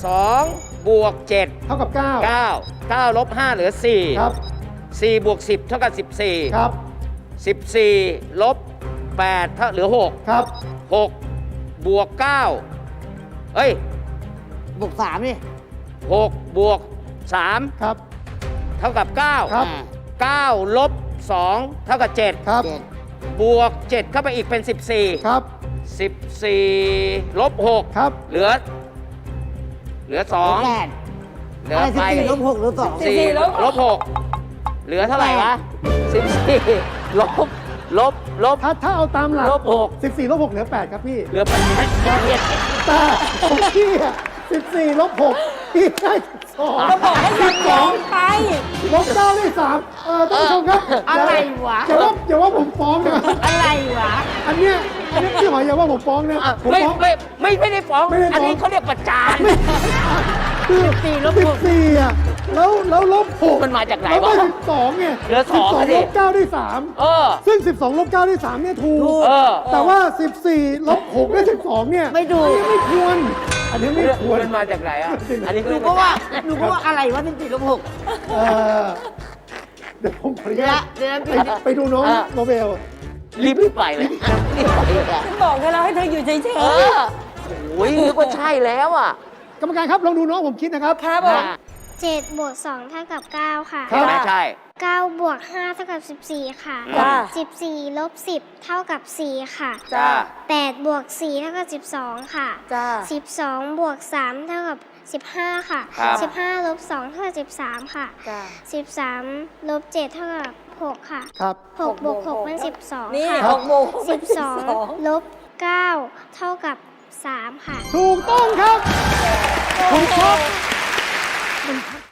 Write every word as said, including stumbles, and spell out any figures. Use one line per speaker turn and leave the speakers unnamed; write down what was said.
สองบวกเจ็ด
เท่ากับเก้า
เก้า เก้าลบห้าเหลือสี่
ครับ
สี่บวกสิบเท่ากับสิบสี่
ครับ
สิบสี่ลบแปดเท่าเหลือหก
ครับ
หกบวกเก้าเอ้ย
บวกสามนี่
หกบวกสาม
ครับ
เท่ากับเก้า
ครับ
อ่า
เก้าลบสองเท่ากับเจ็ด
ครับ
เจ็ด
บวกเจ็ดเข้าไปอีกเป็นสิบสี่
ครับ
สิบสี่ลบหก
ครับ
เหลือ เหลือสอง
แปด
เหลือ
อะไรสิบ
ไป
สี่ลบหกหรือสอง
สี่ลบหกเหลือเท่าไหร่วะสิบสี่ลบลบลบ
ถ้าถ้าเอาตามหลัก
ลบหก
สิบสี่ลบหกเหลือแปดครับพี่
เหลือแปด
แต่ของพี่อะสิบสี่ลบหกพี่ได้สอง
ก็บอกให้ยันยองไป
ลบเก้าได้สามเออท่านผู้ชมครับ
อะไรวะ
อย่าว่าอย่าว่าผมฟ้องนะ
อะไรวะ
อันเนี้ยอันเนี้ยพี่หอยอย่าว่าผมฟ้องนะผม
ไม่
ฟ้อง
ไม่ไม่ไม่ได้ฟ้อง
ไม่ได้ฟ้อง
อันนี้เขาเรียกประจาน
คือ
สี่ลบหก
สิบสี่อ่ะแล้วแล้วลบหก
มันมาจากไหน
แล้ว
วะ
ได้สิบสองไง
เหลือสอง
สิบสอง
ดิ
ลบเก้าได้สาม
เออ
ซึ่งสิบสองลบเก้าได้สามเนี่ยถูก
เออ
แต่ว่าสิบสี่ลบหกได้สิบสองเนี่ย
ไม่ดู
อันนี้ไม่ควร อันนี้ไม่ควร
มันมาจากไหนอ่ะ อันนี้
หนูก็ว่าหนูก็ว่าอะไรวะสิบสี่ลบหก
เออเดี๋ยวผมขออนุ
เดี๋ยว
ญา
นะ
ต
เดี๋ยวนะ
ไปไปดูน้องโนเบล
รีบรีบไปเลยรีบไปเลยอะ
ฉันบอกเธอแล้วให้เธออยู่เฉย
เออโอ้ยนึกว่าใช่แล้วอ่ะ
กรรมการครับลองดูน้องผมคิดนะครับ
ๆครับผม
เจ็ดบวกสองเท่ากับเก้าค่ะ
ครับ
ไม่ใช่
เก้าบวกห้าเท่ากับสิบสี่ค่ะ
จ้า
สิบสี่ลบสิบเท่ากับสี่ค่ะ
จ้า
แปดบวกสี่เท่ากับสิบสองค่ะ
จ้า
สิบสองบวกสามเท่ากับสิบห้าค่ะ
ครับ
สิบห้าลบสองเท่ากับสิบสามค่ะ
จ้า
สิบสามลบเจ็ดเท่ากับหกค่ะ
ครับ
หกบวกหกเป็นสิบสอง
นี่
ค่ะ
หกโมง
สิบสองลบเก้าเท่ากับสามค่ะ
ถูกต้องครับ ผมชอบ